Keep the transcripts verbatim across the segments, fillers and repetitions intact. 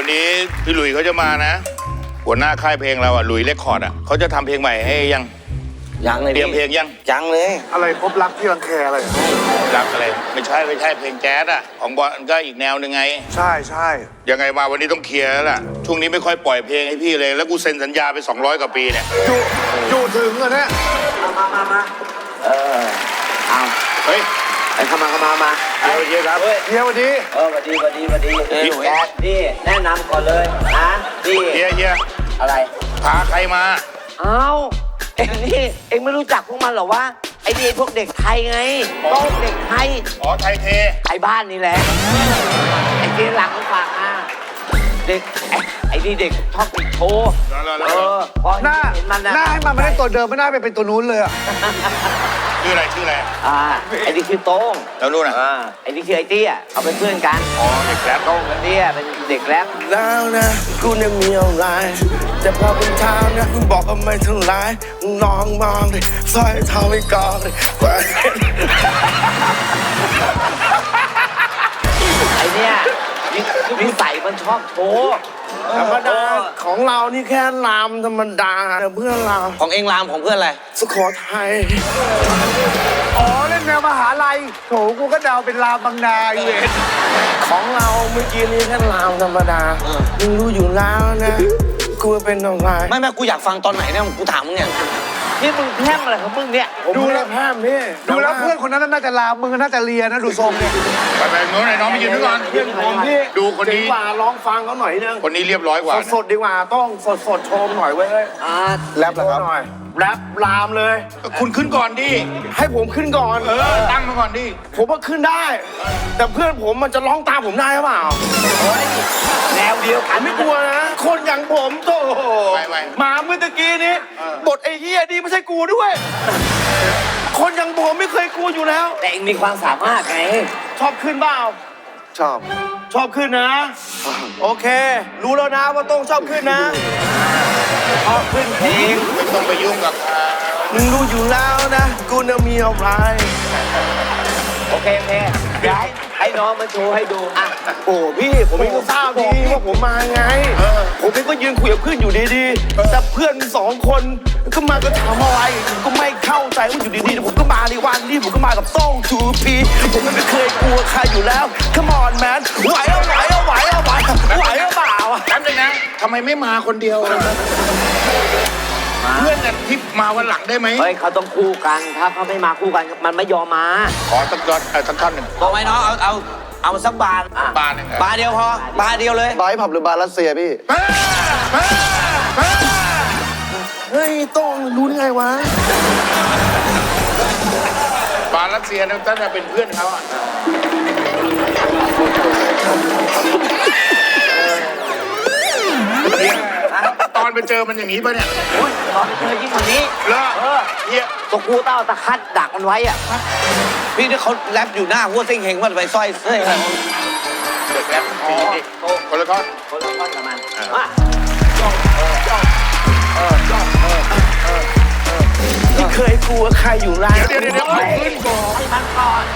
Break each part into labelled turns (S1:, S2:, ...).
S1: วันนี้พี่หลุยเขาจะมานะหัวหน้าค่ายเพลงเราอ่ะหลุยเรคคอร์ดอ่ะเขาจะทำเพลงใหม่ให้ยัง
S2: ยังเลย
S1: เตรียมเพลงยัง
S2: ยังเลย
S3: อะไรพบรักที่รังแคอะไร
S1: รักอะไรไม่ใช่ไม่ใช่เพลงแจ๊สอ่ะของบอลก็อีกแนวหนึ่งไง
S3: ใช่ใช่
S1: ยังไงมาวันนี้ต้องเคลียร์แล้วล่ะช่วงนี้ไม่ค่อยปล่อยเพลงให้พี่เลยแล้วกูเซ็นสัญญาไปสองร้อยกว่าปีเนี่ย
S3: อยู่อยู่ถึงอ่ะเนี่ย
S2: มามามาเออเอา
S1: เฮ้ย
S2: ไอ้เข้ามาเข้ามามา
S1: เดี๋ยวเดี๋ยวครับ
S3: เฮียวันดี
S2: เออวันดีวันดีวันดีแจ๊ดนี่แนะนำก่อนเลยนะนี่
S1: เฮียเฮีย
S2: อะไร
S1: พาใครมา
S2: เอ้าเอ็งนี่เอ็งไม่รู้จักพวกมันหรอวะไอ้นี่พวกเด็กไทยไงโต๊ะเด็กไทย
S1: อ๋อไทยเท
S2: ไทยบ้านนี่แหละไอ้ที่หลังฝากมาเด็กไอ้นี่เด็กชอบติดโชว์เออพอ
S3: หน้า
S2: เห็นมันนะ
S3: หน้าให้มันไม่ได้ตัวเดิมไม่น่าไปเป็นตัวนู้นเลยอ่ะ
S1: ชื่ออะไรชื่ออะไร
S2: อ่าไอ้นี่คือโต้ง
S1: แล้วนู่นอ่ะ
S2: ไอ้นี่คือไอ้เตี้ยเอาเป็นเพื่อนกัน
S1: อ๋อเด็กแรป
S2: โต้งกับเตี้ยเป็นเด็กแรป
S4: แล้วนะกูเนี่ยมีอะไรแต่พอเป็นทางนะมึงบอกว่าไม่เท่าไรน้องมองดิสร้อยเท้าไม่กอดดิแหวน
S2: ไอ้เนี่ยนิสัยมันชอบโชว์
S4: ธรรมดาของเรานี่แค่รามธรรมดาเพื่อนเรา
S2: ของเองรามของเพื่อนอะไร
S4: สุโขทัย
S3: อ๋อเล่นแนวมหาลัยโถกูก็เดาเป็นรามบางนาอยู่เอง
S4: ของเราเมื่อกี้นี่แค่รามธรรมดามึงรู้อยู่แล้วนะกูเป็นอะไร
S2: ไม่ไม่กูอยากฟังตอนไหนเนี่ยกูถามมึงเนี่ยนี่มึงแพร่มอะไรของมึงเนี่ย
S4: ดูแลแพร่มพี่
S3: ดูแล้วเพื่อนคนนั้นน่าจะรามมึงน่าจะเรียนนะดูทรงเนี่ย
S1: ไปไปโน้นไหนน้องไปยืนด้วยก่อน
S4: เพื่อนผมพี่
S1: ดูคนนี้
S4: ดีกว่าร้องฟังเขาหน่อยนึง
S1: คนนี้เรียบร้อยกว่า
S4: สดดีกว่าต้องสดสดโชมหน่อยเว้ย
S2: อ่า
S4: แรปเหรอครับแรปรามเลย
S1: คุณขึ้นก่อนดิ
S4: ให้ผมขึ้นก่อน
S1: เออตั้งมาก่อนดิ
S4: ผมว่าขึ้นได้แต่เพื่อนผมมันจะร้องตามผมได้หรือเปล่า
S2: แนวเดียวกัน
S4: ไม่กลัวนะคนอย่างผมโตมาเมื่อตะกี้นี้บทไอ้เหี้ยดีไม่ใช่กูด้วยคนอย่างผมไม่เคยกลัวอยู่แล้ว
S2: แต่เองมีความสามารถไง
S4: ชอบขึ้นเปล่า
S3: ชอบ
S4: ชอบขึ้นนะโอเครู้แล้วนะว่าต้องชอบขึ้นนะ
S2: ชอบขึ้นเอง
S1: ไม่ต้องไปยุ่งกับ
S4: มึงรู้อยู่แล้วนะกูน่ะมีอะไร
S2: โอเคโอเคเดี๋ยวให้ให้น้องมาโชว์ให้ดูอ่ะ
S4: โอ้พี่ผมไม่ทราบดีว่าผมมาไงผมเองก็ยืนคุยกับเพื่อนอยู่ดีๆแต่เพื่อนสองคนก็มาก็ถามอะไรก็ไม่เข้าใจว่าอยู่ดีๆผมก็มาในวันนี้ผมก็มากับโซ่ทูพีผมไม่เคยกลัวใครอยู่แล้ว Come on man ไหวเอาไหวเอาไหวเอาไหวไหวเอาเปล่า
S1: จำเลยนะทำไมไม่มาคนเดียวเพื่อนกันที่มาวันหลังได้ไหม
S2: เฮ้ยเขาต้องคู่กันถ้าเขาไม่มาคู่กันมันไม่ยอมมา
S1: ขอสักยอดสักท่อนหนึ่ง
S2: บอกไหมน้องเอาเอาเอาสักบาท
S1: บาทหนึ่ง
S2: บาทเดียวพอบาทเดียวเลย
S3: บาร์ผับหรือบาร์รัสเซียพี่
S4: เฮ้ยต้องรู้ได้ไงวะ
S1: บาร์รัสเซียนั่นถ้าจะเป็นเพื่อนเขาอ่ะตอนไปเจอมันอย่างนี้ป่ะเนี่ย
S2: ตอนไปเจอยิ่งกว่านี้
S1: เลิกเฮีย
S2: ตกกูเต้าตะคัดดักมันไว้อ่ะพี่นี่เขาแรปอยู่หน้าหัวเส้งเฮงว่าไปสร้อยเส้นอะไร
S1: เด็กแรปคนละท่อน
S2: คนละท่อนกับมัน
S4: ที่เคยกลัวใครอยู่แล้ว
S1: เดี๋ยวเดี๋ยวเดี๋ยวขึ้นก่อน
S2: ให้มันก่อน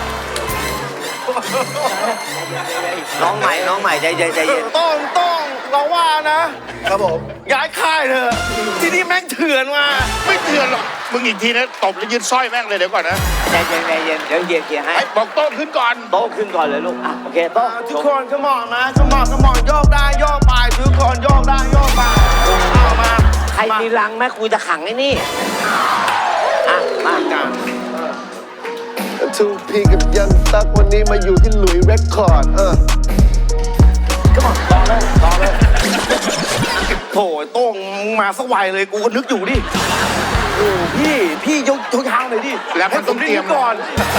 S2: น้องใหม่น้องใหม่ใจเย็นใจเย็น
S4: ต้องต้องเราว่านะครับผมย้ายค่ายเถอะที่นี่แม่งเถื่อนมา
S1: ไม่เถื่อนหรอกมึงอีกทีนะตบแล้วยืนสร้อยแม่งเลยเดี๋ยวก่อนนะ
S2: ใจเย็นใจเย็นเดี๋ยวเยียร์เยียร์ให้
S1: บอกโต้ขึ้นก่อน
S2: โต้ขึ้นก่อนเลยลูกอ่ะโอเคโต้
S4: ทุกคนก็มองนะก็มองก็มองโยกได้โยกไปทุกคนโยกได้โยกไปเอามา
S2: ใครมีรังแม่กูจะขังไอ้นี่อ่ะมากัน
S3: ทูพีกับยังตักวันนี้มาอยู่ที่หลุยเรคคอร์ดเออ
S2: ก็มาต่อเลยต่อเลย
S4: โถโต้งมาสักวัยเลยกูก็นึกอยู่ดิโอ้พี่พี่ยกยกทางเลยดิ
S1: แล้วให้ผมเตรียม
S4: ก่อน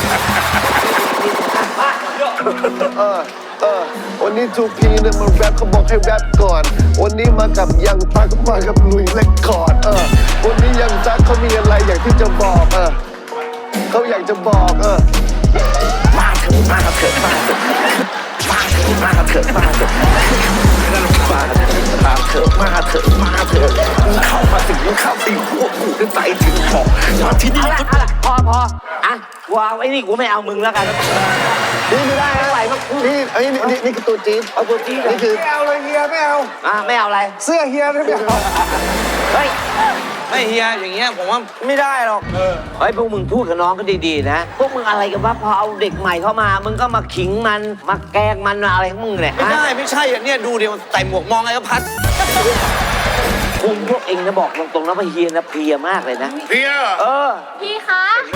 S3: เออเออวันนี้ทูพีเนี่ยมาแรปเขาบอกให้แรปก่อนวันนี้มากับยังตักก็มากับหลุยเรคคอร์ดเออวันนี้ยังตักเขามีอะไรอยากที่จะบอกเออเขาอยากจะบอกเออ
S4: มาเถอะมาเถอะมาเถอะมาเถอะมาเถอะเถอะมาเถอะมาเถอะมาเถอะมาเถอะมาเถอะมึงเข้ามาสิมึงเข้าสิพวกกูจะใจถึงพอมาที่นี่
S2: เอาละเอาละพอพออ่ะกูเอาไอ้นี่กูไม่เอามึงแล้วกัน
S3: นี่ไม่ได้นะนี่ไอ้นี่นี่นี่คือตัวจี๊ด
S2: เอาตัวจี้เลย
S3: นี่คือ
S4: ไม่เอาเลยเฮียไม่เอา
S2: อ่ะไม่เอาอะไร
S4: เสื้อเฮียไม่เอา
S2: เฮ้ย
S5: ไม่เฮียอย่างเงี้ยผมว่าไม่ได้หรอก
S2: เฮ้ยพวกมึงพูดกับน้องก็ดีๆนะพวกมึงอะไรกันวะพอเอาเด็กใหม่เข้ามามึงก็มาขิงมันมาแกล้งมันมาอะไรของมึงเนี่ย
S5: ไม่ได้ไม่ใช่อย่างเนี้ยดูเดี๋ยวใส่หมวกมองไอ้ก็พัด
S2: คุณพวกเองนะบอกตรงๆนะว่าเฮียนะเพลียมากเลยนะ
S1: เพีย
S2: เออ
S6: พี่คะ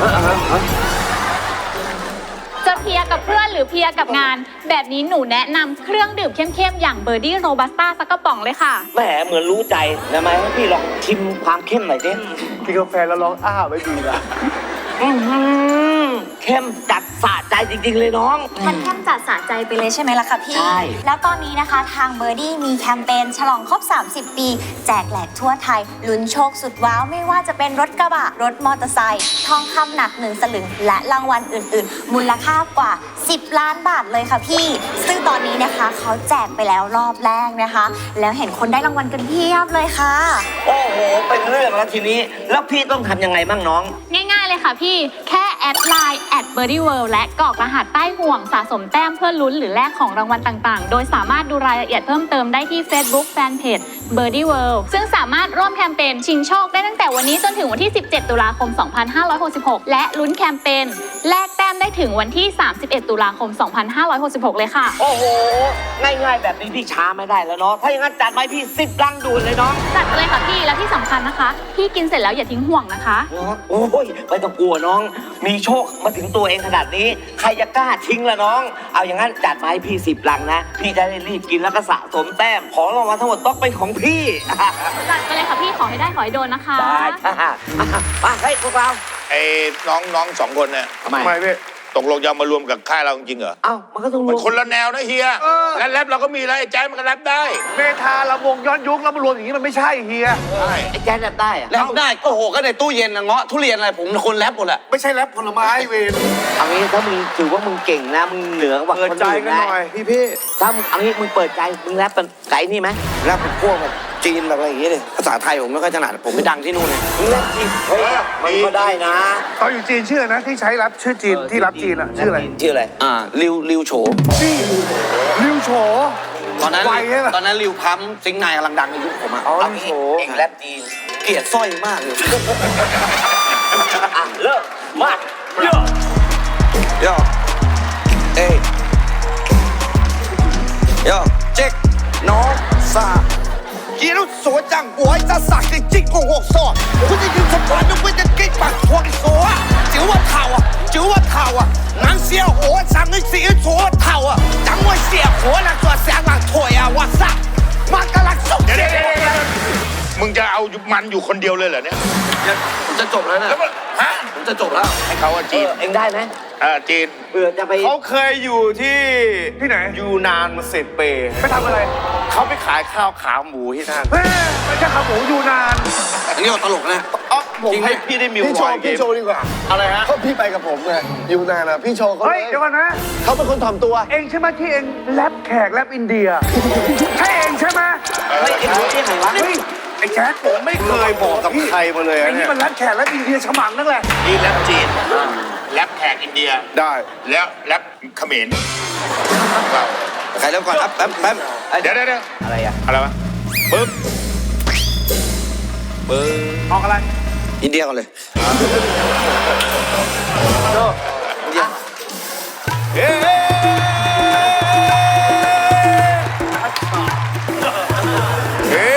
S6: จะเพลียกับเพื่อนหรือเพลียกับงาน แบบนี้หนูแนะนำเครื่องดื่มเข้มๆ อย่างเบอร์ดี้โรบัสต้าสักกระป๋องเลยค่ะ
S2: แหมเหมือนรู้ใจนะไหมให้พี่ลองชิมความเข้มหน่อยดิ
S3: กินกาแฟแล้วร้องอ้าไว้ดีละ
S2: อื้อหือเข้มจัดสะใจจริงๆเลยน้อง
S7: มันเข้มจัดสะใจไปเลยใช่ไหมล่ะคะพี่
S2: ใช่
S7: แล้วตอนนี้นะคะทางเบอร์ดี้มีแคมเปญฉลองครบ สามสิบ ปี แจกแหลกทั่วไทย ลุ้นโชคสุดว้าว ไม่ว่าจะเป็นรถกระบะ รถมอเตอร์ไซค์ทองคำหนักหนึ่งสลึง และรางวัลอื่นๆ มูลค่ากว่า สิบ ล้านบาทเลยค่ะพี่ ซึ่งตอนนี้นะคะเขาแจกไปแล้วรอบแรกนะคะ แล้วเห็นคนได้รางวัลกันเพียบเลยค่ะ
S2: โอ้โห เป็นเรื่องแล้วทีนี้ แล้วพี่ต้องทำยังไงบ้างน้อง
S6: ง่ายๆเลยค่ะพี่ แค่แอดไลน์แอดเบอร์ดี้เวิลด์และกรอกรหัสใต้ห่วงสะสมแต้มเพื่อลุ้นหรือแลกของรางวัลต่างๆ โดยสามารถดูรายละเอียดเพิ่มเติมได้ที่ Facebook Fanpage Birdie World ซึ่งสามารถร่วมแคมเปญชิงโชคได้ตั้งแต่วันนี้จนถึงวันที่ สิบเจ็ด ตุลาคม สองพันห้าร้อยหกสิบหก และลุ้นแคมเปญแลกแต้มได้ถึงวันที่ สามสิบเอ็ด ตุลาคม สองพันห้าร้อยหกสิบหก เลยค่ะ
S2: โอ้โห ง่ายๆ แบบนี้พี่ช้าไม่ได้แล้วเนาะ ถ้าอย่างนั้นจัดไว้พี่สิบลังด่วนเลยน้อง
S6: จัดไปเลยค่ะพี่ และที่สำคัญนะคะ พี่กินเสร็จแล้วอย่าทิ้งห่วงนะคะ
S2: โอ้ยไม่ต้องกลัวน้อง มีโชคมาถึงตัวเองขนาดนี้ ใครจะกล้าทิ้งล่ะน้อง เอาอย่างนั้นจัดมาให้พี่สิบลังนะ พี่จะได้รีบกินแล้วก็สะสมแต้ม ของรางวัลทั้งหมดต้องเป็นของพี่
S6: จัดไปเลยค่ะพี่ ขอให้ได้ขอให้โดนนะคะ
S2: ได้ค่ะมาให้พวกเรา
S1: ไอ้น้องน้องสองคนเนี่ย
S2: ทำไม
S3: ทำไมพี่
S1: ตกลงจะมารวมกับค่ายเราจริงเหรอ
S2: เอ้า มันก็ต้องร
S1: มัน
S2: วม
S1: คนละแนวนะเฮียงั้นแรปเราก็มีแล้วไอ้แจ๊สมันก็แรปได้
S4: เมทาลำวงย้อนยุคแล้วมารวมอย่างนี้มันไม่ใช่เฮีย
S1: ใช่
S2: ไอ้แจ๊ดแรปได้อะ
S5: แล้วได้โอ้โหก็ในตู้เย็นนะเงาะทุเรียนอะไรผมคนแรปหมดแหละ
S4: ไม่ใช่แรปผลไม้เวร
S2: เอางี้ถ้ามึงถือว่ามึงเก่งนะ มึงเหนือกว่า
S4: เปิด
S2: คน
S4: ใจ
S2: อื่น
S4: กัน
S2: นะ
S4: หน่อยพี่พี่
S2: ถ้ามึงเอางี้มึงเปิดใจ มึงแรปเป็นไก่นี่ไหม
S5: แรปเป็นพวกแบบจีนแบบอะไรอย่างเงี้ยเลยภาษาไทยผมไม่ค่อยถนัดผมไปดังที่นู่นเลย
S2: มึงแรปจริงเฮ้ยมันก็ได้นะ
S4: ตอนอยู่จีนชื่อนะที่ใช้รับชื่อจีนที่รับจีนอ่ะชื่ออะไร
S2: ชื่ออะไร
S5: อ่าริวริวโฉ
S4: ริวโฉ
S5: ตอนนั้น
S4: ไวใช่ปะ
S5: ตอนนั้นริวพัมซิงค์นายกำลังดังในยุคผมอะ
S2: เอางี้เองแรปจีน
S5: เกลียดสร้อยมากเลย
S2: อ่ะเริ่มมาเยอะ
S5: โยเอ้ยโยเจ๊กน้องสา一路所长，我还在杀给进攻我说，我的英雄团队为了给把火给说啊，就我逃啊，就我逃啊，南小我上的是左逃啊，当我写火了做香港腿啊，我操，妈个拉手
S1: เดี๋ยวเดี๋ยวเดี๋ยวเดี๋ยวมึงจะเอามันอยู่คนเดียวเลยเหรอเนี่ย
S5: ผมจะจบแล้วนะ
S1: แล้วมันฮะ
S5: ผมจะจบแล้ว
S1: ให้เขาอะ
S2: เอ
S1: จีน
S2: อเองได้ไหม
S1: อ่าจีน
S2: เผื่อจะไป
S4: เขาเคยอยู่ที่ที่ไหนยูนานมาสิบปีไปทำอะไรเขาไปขายข้าวขาหมูที่นั่นไม่ใช่ขาหมูยูนาน
S5: อันนี้เอาตลกนะ
S4: อ๋อผมให้พี่ได้มิว
S3: พี่โช
S4: บอ
S3: ว์
S4: ย
S3: พี่โชว์ดีกว่า
S4: อะไรฮะ
S3: เขาพี่ไปกับผมไงอยู่นานอ่ะพี่โชว์เขา
S8: เฮ้ย
S3: เลย
S8: เดี๋ยวก่อนนะ
S3: เขาเป็นคนถ่อมตัว
S8: เองใช่ไหมที่เองแรปแขกแรปอินเดีย ใช่เองใช่ไหม
S2: เฮ้ยเองรู้ได้ไงวะ
S8: เฮ้ยไอ้แจ๊ด
S4: ผมไม่เคยบอกกับใครมาเลย
S8: ไอ้
S4: อะ
S8: นี่
S4: เนี่ย
S8: มันแรปแขกแรปอินเดียฉมังนั่นแหละ
S1: นี่แรปจีนแรปแขกอินเดีย
S4: ได้
S1: แล้วแรปเขมรเรา
S5: ใครเริ่มก่อนครับแป๊บแป๊บ
S1: เดี๋ยวเดี๋ยวเดี๋ยว
S2: อะไรอ่ะ
S1: อะไรวะปึ๊บ
S5: เบอร์
S8: ออกอะไร
S5: อินเดียก่อนเลย
S4: เฮ้เฮ้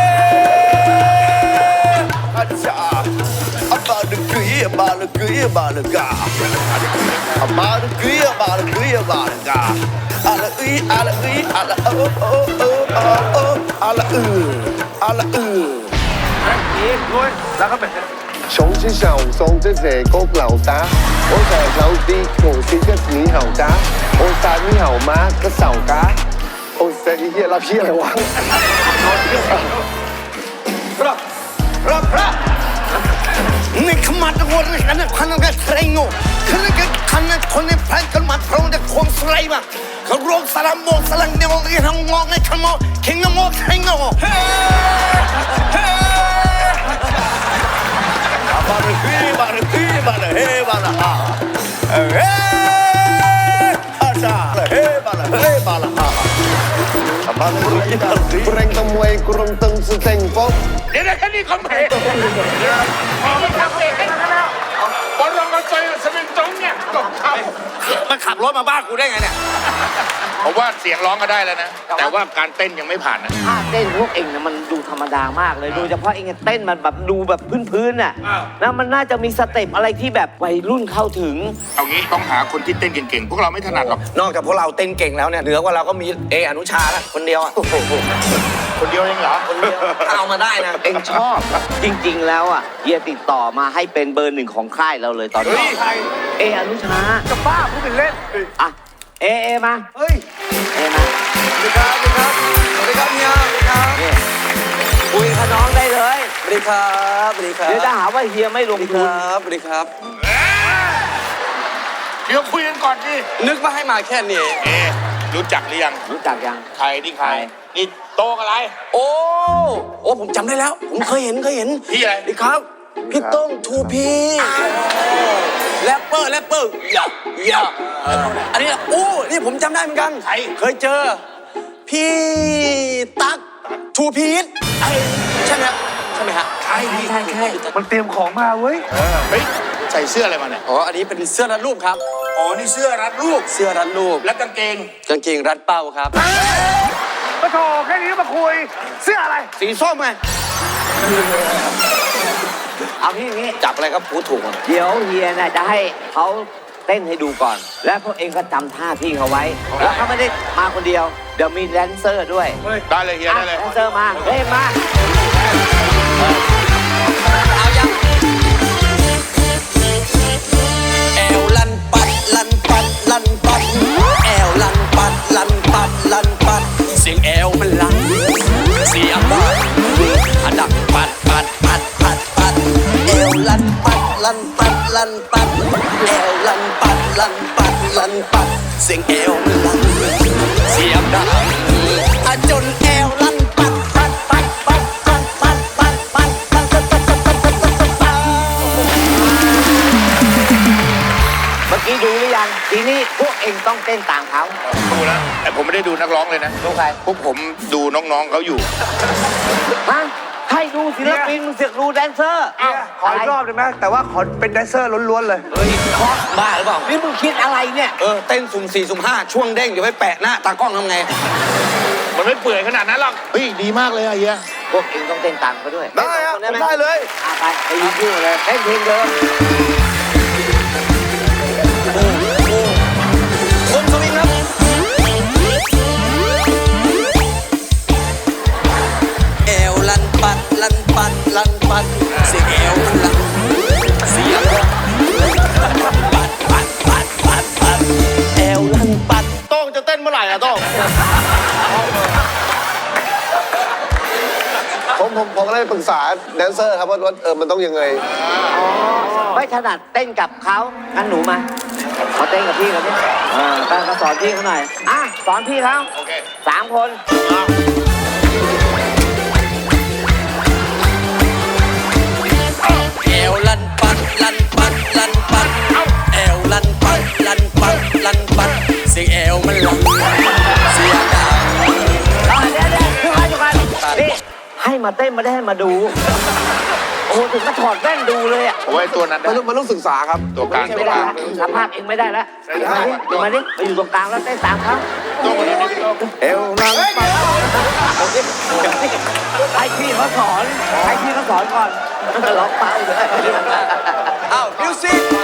S4: อาจารย์อาบาลกุยอาบาลกุยอาบาลกาอาบาลกุยอาบาลกุยอาบาลกาอาละอุยอาละอุยอาละโอโอโอโอโออาละอืออาละอือ
S8: อีกด้วยแล้วก็เป็น
S3: 从此手送这些高樓打，我成日手啲無線一年後打，我晒呢後媽個手架，我食啲嘢立起嚟玩。
S5: รับรับรับนี่ขมัดวัวเรื่องนั้นพันกันใครโง่คือเรื่องคันนั้นคนในแพลนกันมาพร้อมจะควงสไลมาเขารวมสลัมโมสลังเดียวกันทั้งงอกในขโมเข่งโมใครโง่เฮ้เฮ้บาร์ฮีบาร์ฮีบาร์เฮบาร์ฮาเฮ้อาชาเฮบาร์เฮบาร์ฮาบาร์ฮีบาร์ฮี
S3: Kurang temuai kurang teng seteng pop.
S1: เดี๋ยวแค่นี้คำเพลงพอไม่ทำเองบอลลงกระจายสมิงตรงเนี่ยตกเขา
S5: มันขับรถมาบ้านกูได้ไงเนี่ย
S1: ผมว่าเสียงร้องก็ได้แล้วนะ แต่ว่าการเต้นยังไม่ผ่านนะ
S2: ท่าเต้นพวกเองนะมันดูธรรมดามากเลยโดยเฉพาะเองเต้นมันแบบดูแบบพื้นๆน่ะนะมันน่าจะมีสเต็ปอะไรที่แบบวัยรุ่นเข้าถึง
S1: เอางี้ต้องหาคนที่เต้นเก่งๆ พวกเราไม่ถนัดหรอก
S5: นอกจากพวกเราเต้นเก่งแล้วเนี่ยเหนือกว่าเราก็มีเออนุชาละคนเดียวอะ
S1: คนเดียวเองเหรอ
S5: คนเดียวถ้าเอามาได้นะ
S2: เองชอบ จริงๆแล้วอ่ะเฮียติดต่อมาให้เป็นเบอร์หนึ่งของค่ายเราเลยตอนนี้เออนุชา
S8: จะบ้าพูดเป็นเล่น
S2: อ่ะเอเอมา
S8: เฮ้ย
S2: เอมา
S5: สวัสดีครับสวัสดีครับสวัสดีครับเฮียสวัสดีครับ
S2: นี่คุยกับน้องได้เลย
S5: สวัสดีครับสวัสดีครับ
S2: เดี๋ยวจะหาว่าเฮียไม่ลงทุน
S5: สวัสดีครับ
S1: เดี๋ยวคุยกันก่อนดิ
S5: นึกว่าให้มาแค่นี้
S1: เอรู้จักหรือยัง
S2: รู้จักยัง
S1: ใครนี่ใคร นี่โตกับอะไร
S5: โอ้โอ้ผมจำได้แล้ว ผมเคยเห็นเคยเห็น
S1: พี่อะไร
S5: สวัสดีครับพี่โต้งทูพีแรปเปอร์แรปเปอร์อย่าอย่าอันนี้โอ้นี่ผมจำได้เหมือนกัน
S1: ใคร
S5: เคยเจอ พี่ตั๊กทูพีทไอ้ใช่ไหมฮะใช่ไหมฮะ
S1: ใช่พี่
S2: ใช่ใช่
S8: มันเตรียมของมาเว้ย
S1: เฮ้ยใส่เสื้ออะไรมาเนี่ย
S5: อ๋ออันนี้เป็นเสื้อรัดรูปครับ
S1: อ๋อ นี่เสื้อรัดรูป
S5: เสื้อรัดรูป
S1: และกางเกง
S5: กางเกงรัดเป้าครับ
S8: มาโถแค่นี้ก็มาคุย เสื้ออะไร
S5: สีส้มไง
S2: เอางี้อย่างงี้
S5: จับอะไรก็พูดถูกอะ
S2: เดี๋ยวเฮียน่ะจะให้เขาเต้นให้ดูก่อน แล้วพวกเองก็จำท่าที่เขาไว้ แล้วเขาไม่ได้มาคนเดียว เดี๋ยวมีแดนเซอร์ด้วย
S1: ได้เลยเฮีย
S2: อ่ะ
S1: ได้เลย
S2: แดนเซอร์มาเฮ้ยมา
S5: เอายังแอวลันปัดลันปัดลันปัดแอวลันปัดลันปัดลันปัดเสียงแอวมันลันเสียงดังอะดังปัดปัดปัดปัดปัดแอวลันปัดลันปัดลันปัดแอวลันปัดลันปัดลันปัดเสียงแอวมันลันเสียงดังอะจนแอวลันปัดปัดปัดปัดปัดปัดปัดปัดปัดปัดปัดปัดปัดปัดปัด
S2: เมื่อกี้ดูหรือยัง ทีนี้พวกเองต้องเต้นตามเขา
S1: ดูแล้วแต่ผมไม่ได้ดูนักร้องเลยนะ
S2: ดูใคร
S1: พวกผมดูน้องๆเขาอยู่
S2: ฮะให้ดูศิลปินมึงเสือกดูแดนเซอร์
S8: ขออีกรอบได้ไหมแต่ว่าขอเป็นแดนเซอร์ล้วนๆเลย
S2: เฮ้ยเคาะบ้าหรือเปล่า นี่มึงคิดอะไรเนี่ย
S5: เออเต้นสุ่มสี่สุ่มห้าช่วงเด้งเดี๋ยวไปแปะหน้าตากล้องทำไง
S1: มันไม่เปื่อยขนาดนั้นหรอก เฮ้ย ดีมากเลยอะเฮีย
S2: พวกเองต้องเต้นตามเขาด้วย
S8: ได้อะ
S2: ต้น
S8: ผมได้เลย
S2: อ่ะไปไปยืนคู่เลยเต้นเพลงเดิม
S5: คนสวิงครับแอวลันปัดลันปัดลันปัดเสียงแอวมันลันเสียงปัดปัดปัดปัดปัดแอวลันปัด
S4: โต้งจะเต้นเมื่อไหร่อะโต้ง
S3: ผมผมผมก็เลยปรึกษาแดนเซอร์ครับว่าว่าเออมันต้องยังไง
S2: ไม่ถนัดเต้นกับเขางั้นหนูมามาเต้นกับพี่เขาเนี่ยเออไปมาสอนพี่เขาหน่อย อ่ะ สอนพี่เขา
S1: โอเค
S2: สามคน
S5: แอวลันปัดลันปัดลันปัดแอวลันปัดลันปัดลันปัดเสียงแอวมันลันเสียงดัง
S2: เอาเดี๋ยวเดี๋ยวทุกคนทุกคนนี่ให้มาเต้นไม่ได้ให้มาดู โอ้โหถึงมาถอดแว่นดูเลยอ่ะ
S1: ผมว่าไอ้ตัวนั้น
S3: มัน
S1: นะ
S3: ต้องมันต้องศึกษาครับ
S1: ตัวกลาง
S2: ไม่ได้แล้วสัมภาษณ์เองไม่ได้แล้วมาดิมาดิมาอยู่ตรงกลางแล้วเต้นตามเขา
S1: ตัวมันนี่พี่โต้ง
S3: เอวนังปัด
S2: ให้พี่เขาสอนให้พี่เขาสอนก่อนร้องเป้าเลย
S5: อ้าวมิวสิก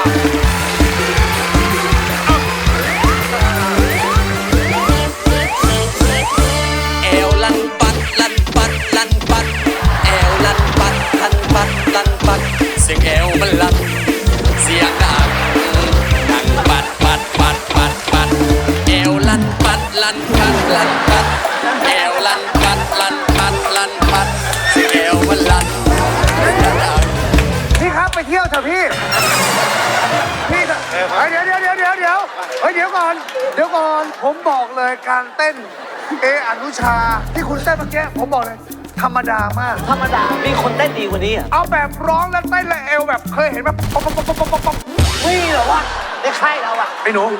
S5: แอวลันปัดลันปัดลันปัดแอวลันปัดลันปัดลันปัดเสียงแอวมันลันเสียงดังดังปัดปัดปัดปัดปัดแอวลันปัดลันปัดลันปัดแอวลันปัดลันปัดลันปัดเสียงแอวมันลันเสียงดัง
S8: พี่ครับไปเที่ยวเถอะพี่พี่พี่จะเฮ้ยเดี๋ยวเดี๋ยวเดี๋ยวเดี๋ยวเดี๋ยวเฮ้ยเดี๋ยวก่อนเดี๋ยวก่อนผมบอกเลยการเต้นเออนุชาที่คุณเต้นเมื่อกี้ผมบอกเลยธรรมดามาก
S2: ธรรมดา มีคนเต้นดีกว่านี้อ่ะ
S8: เอาแบบร้องแล้วเต้นและเอวแบบเคยเห็นแบบป๊อปป๊อปป๊อปป๊อปป๊อปป๊อป
S2: ไม่เหรอวะในค่ายเราอ่ะ
S8: ไอ้หนู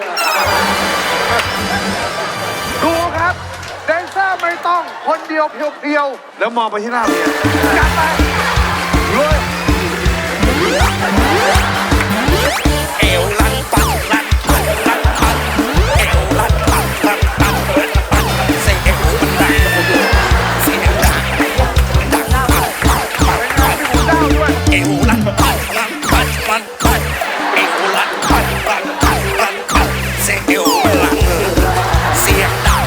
S8: ดูครับแดนเซอร์ไม่ต้องคนเดียวเพียวๆแล้วมองไปที่หน้าเมียจัดไปรวย
S5: เอวลันปันลันปันลันปันเอวลันปันลันปันลันปันเสียงเอวมันดังเสียงดังดังปันปันปันปันเอวลันปันลันปันปันปันเอวลันปันลันปันลันปันเสียงเอวมันลังเสียงดัง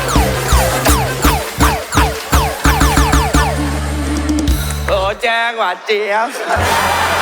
S5: โอ้แจ้งว่าเจี๊ยบ